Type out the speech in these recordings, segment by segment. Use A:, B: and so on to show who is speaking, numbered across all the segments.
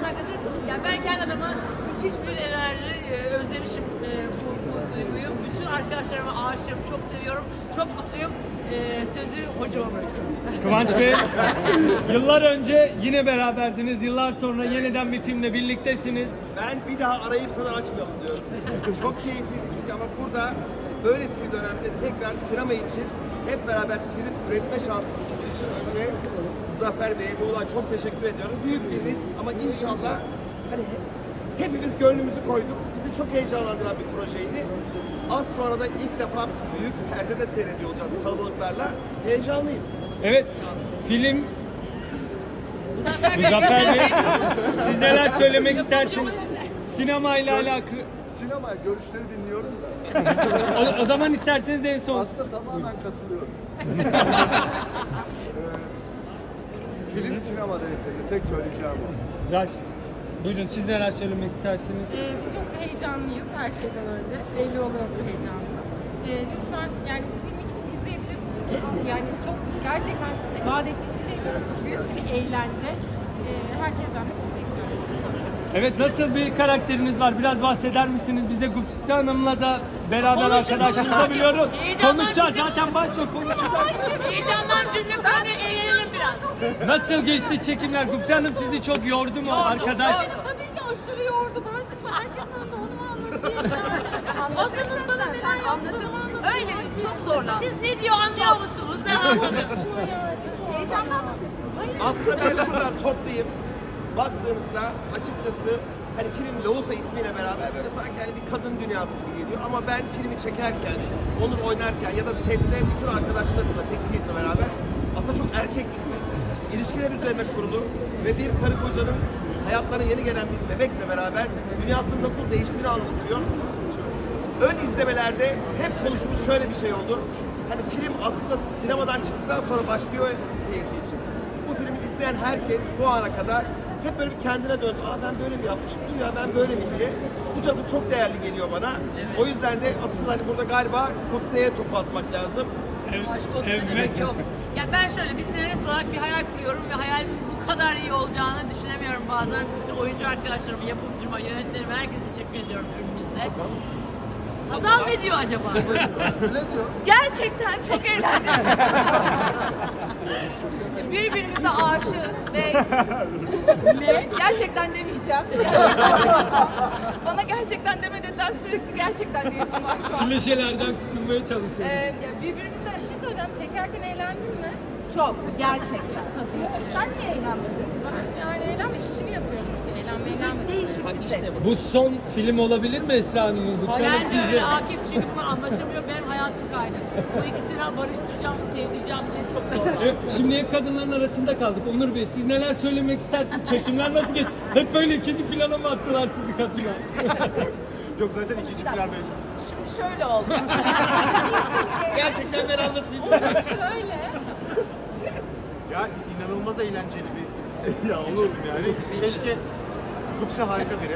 A: şarkıdır. Yani ben kendi adıma müthiş bir enerji özlemişim bu duyguyu. Bütün arkadaşlarıma aşığım, çok seviyorum, çok mutluyum. Sözü hocama bırakıyorum.
B: Kıvanç Bey, yıllar önce yine beraberdiniz. Yıllar sonra yeniden bir filmle birliktesiniz.
C: Ben bir daha arayı bu kadar açmayalım diyorum. Çok keyifliydi çünkü ama burada böylesi bir dönemde tekrar sinema için hep beraber film üretme şansı bulduğumuz için önce Muzaffer Bey'e, Muğla çok teşekkür ediyorum. Büyük bir risk ama inşallah hani hepimiz gönlümüzü koyduk. Bizi çok heyecanlandıran bir projeydi. Az sonra da ilk defa büyük perdede seyrediyor olacağız kalabalıklarla. Heyecanlıyız.
B: Evet, film Muzaffer Bey, siz neler söylemek istersiniz? Sinema ile alakalı.
D: Sinema görüşleri dinliyorum da.
B: O zaman isterseniz en son.
D: Aslında tamamen katılıyorum. Film sinemada eseri. Tek söyleyeceğim o.
B: Raç, buyurun siz neler söylemek istersiniz?
E: Biz çok heyecanlıyız her şeyden önce. Belli oluyor bu heyecanımız. Lütfen yani bu filmi gidip izleyebilirsiniz. Yani çok gerçekten vaat ettiğimiz şey çok büyük bir eğlence. Herkesten de bunu bekliyorum.
B: Evet, nasıl bir karakteriniz var? Biraz bahseder misiniz? Bize Gupse Hanım'la da beraber arkadaşlığınızı da biliyoruz. Konuşacağız zaten, başla konuşacağız.
A: Heyecandan cümle kurarken eğlenelim biraz.
B: Nasıl geçti çekimler? Gupse Hanım sizi çok yordu mu arkadaş?
E: Tabii ki aşırı yordu. Ben şimdi herkesin önünde onu mu anlatayım yani? Hasan'ın bana neler yaptığını anlatayım.
A: Öyle çok zorla. Siz ne diyor anlıyor musunuz? Ben anlamıyorum.
E: Heyecandan mı sesim? Hayır.
C: Aslında ben şuradan toplayayım. Baktığınızda açıkçası hani film Loğusa ismiyle beraber böyle sanki hani bir kadın dünyası gibi geliyor ama ben filmi çekerken, Onur oynarken ya da sette bütün arkadaşlarımızla teknik ekiple beraber aslında çok erkek filmi. İlişkiler üzerine kurulu ve bir karı kocanın hayatlarına yeni gelen bir bebekle beraber dünyasının nasıl değiştiğini anlatıyor. Ön izlemelerde hep konuştuğumuz şöyle bir şey oldu. Hani film aslında sinemadan çıktıktan sonra başlıyor seyirci için. Bu filmi izleyen herkes bu ana kadar hep böyle bir kendine döndü. Aa ben böyle mi yapmışım? Dur ya ben böyle mi diye. Bu tabii çok değerli geliyor bana. O yüzden de asıl hani burada galiba Gupse'ye topu atmak lazım.
A: Aşk olsun ne demek yok. Ya ben şöyle bir senarist olarak bir hayal kuruyorum ve hayalimin bu kadar iyi olacağını düşünemiyorum bazen. Bütün oyuncu arkadaşlarıma, yapımcıma, yönetmenime, herkese teşekkür ediyorum önümüzde. Hazal ne diyor acaba?
D: Ne diyor?
F: Gerçekten çok eğlendim. Birbirimize aşığız ve ne? Gerçekten demeyeceğim. Bana gerçekten deme dediler, sürekli gerçekten diyesim var şu an.
B: Klişelerden kurtulmaya çalışıyoruz.
F: Ya birbirimize
E: Bir şey söyleyeceğim. Çekerken eğlendin mi?
F: çok gerçekten. Sen niye eğlenmedin?
E: Ben yani eğlenmedim. İşimi yapıyorum çünkü. Eğlenmedim.
F: Değişik bir set.
B: Bu son film olabilir mi Esra Hanım'ın? Gupse Hanım
A: Ben de
B: sizle.
A: öyle Akif çünkü bunu anlaşamıyor. Benim hayatım kaydı. Bu ikisini barıştıracağım, sevdireceğim diye çok zor.
B: Evet, şimdi hep kadınların arasında kaldık. Onur Bey, siz neler söylemek istersiniz? Çekimler nasıl geçti? Hep böyle ikinci plana mı attılar sizi kadına?
D: Yok zaten ikinci plan belli.
F: Şimdi şöyle oldu.
C: Gerçekten ben anlatayım.
E: Şöyle.
D: Ya inanılmaz eğlenceli bir seri ya olurdu yani. Keşke Gupse harika biri.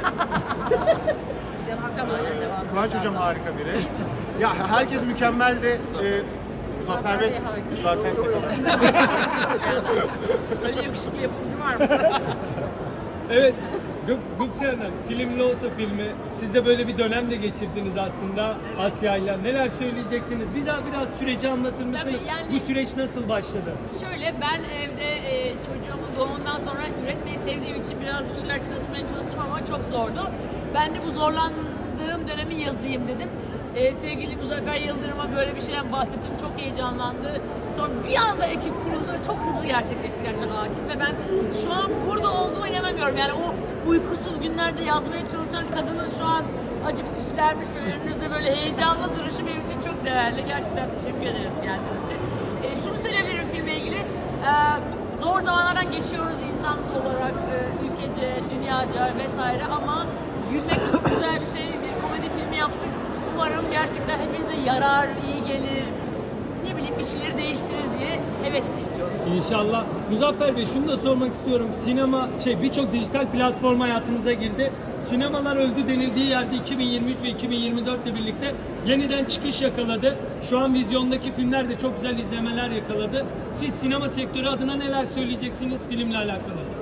A: Devam.
D: Kıvanç hocam harika biri. Ya herkes mükemmeldi. Muzaffer Bey zaten ne kadar.
A: Öyle yakışıklı yapımcı var mı?
B: Evet, Gupse Hanım, filmli olsa filmi. Siz de böyle bir dönem de geçirdiniz aslında Asya'yla. Neler söyleyeceksiniz? Bize biraz süreci anlatır mısınız?
A: Tabii, yani-
B: Bu süreç nasıl başladı?
A: Şöyle ben evde çocuğumun doğumundan sonra üretmeyi sevdiğim için biraz bir şeyler çalışmaya çalıştım ama çok zordu. Ben de bu zorlandığım dönemi yazayım dedim. Sevgili Muzaffer Yıldırım'a böyle bir şeyden bahsettim. Çok heyecanlandı. Sonra bir anda ekip kuruldu ve çok hızlı gerçekleşti gerçekten Akif ve ben şu an burada olduğuma inanamıyorum. Yani o uykusuz günlerde yazmaya çalışan kadının şu an acık süslenmiş ve önünüzde böyle heyecanlı duruşu benim için çok değerli. Gerçekten teşekkür ederiz geldiğiniz için. Şunu söyleyebilirim filmle ilgili. Zor zamanlardan geçiyoruz insan olarak, ülkece, dünyaca vesaire ama gülmek çok güzel bir şey. Bir komedi filmi yaptık. Umarım gerçekten hepinize yarar, iyi gelir, ne bileyim bir şeyleri değiştirir diye heves ediyorum.
B: İnşallah. Muzaffer Bey, şunu da sormak istiyorum. Sinema, birçok dijital platform hayatımıza girdi. Sinemalar öldü denildiği yerde 2023 ve 2024 ile birlikte yeniden çıkış yakaladı. Şu an vizyondaki filmler de çok güzel izlemeler yakaladı. Siz sinema sektörü adına neler söyleyeceksiniz filmle alakalı?
D: Birinci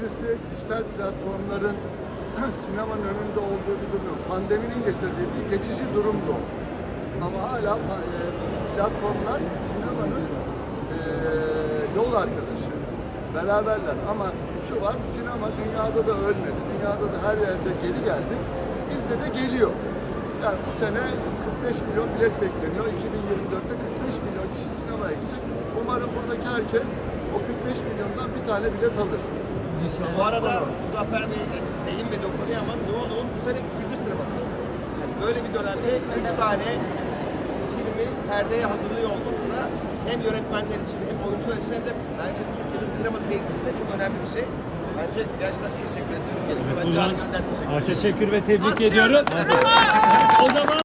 G: birincisi dijital platformların sinemanın önünde olduğu bir durum yok. Pandeminin getirdiği bir geçici durum bu. Ama hala platformlar sinemanın yol arkadaşı. Beraberler. Ama şu var, sinema dünyada da ölmedi. Dünyada da her yerde geri geldi. Bizde de geliyor. Yani bu sene 45 milyon bilet bekleniyor. 2024'te 45 milyon kişi sinemaya gidecek. Umarım buradaki herkes o 45 milyondan bir tane bilet alır.
C: Bu arada Muzaffer Bey değinmedi o konuya ama Doğu'nun bu sene 3. sinema filmi. Yani böyle bir dönemde 3 tane filmi perdeye hazırlıyor olması da hem yönetmenler için hem oyuncular için hem de bence Türkiye'de sinema seyircisi de çok önemli bir şey. Bence gerçekten teşekkür etmemiz gerekiyor. Ben Can Göl'den teşekkür ederim.
B: Teşekkür ve tebrik
A: Alkışlıyoruz.
B: ediyorum. O zaman